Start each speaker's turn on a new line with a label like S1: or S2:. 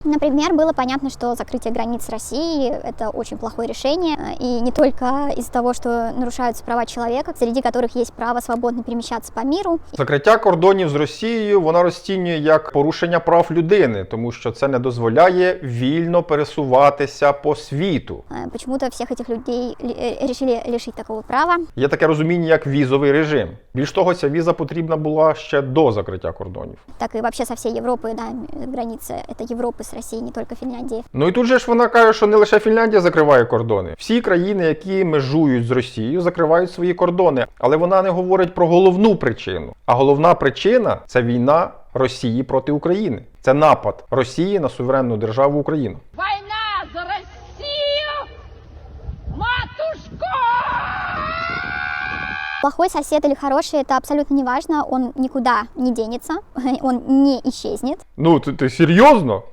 S1: Например, было понятно, что закрытие границ России – это очень плохое решение, и не только из-за того, что нарушаются права человека, среди которых есть право свободно перемещаться по миру.
S2: Закриття кордонів з Росією вона розцінює як порушення прав людини, тому що це не дозволяє вільно пересуватися по світу.
S1: Почему-то всех этих людей решили лишить такого права.
S2: Є таке розуміння, як візовий режим. Більш того, ця віза потрібна була ще до закриття кордонів.
S1: Так и вообще со всей Европы, да, границы это Европы с Россией, не только Финляндии.
S2: Ну і тут же ж вона каже, що не лише Фінляндія закриває кордони. Всі країни, які межують з Росією, закривають свої кордони. Але вона не говорить про головну причину. А головна причина – це війна Росії проти України. Це напад Росії на суверенну державу Україну.
S3: Война за Россию, матушку!
S1: Плохой сосед или хороший, это абсолютно не важно, он никуда не денется, он не исчезнет.
S2: Ну, ти серйозно?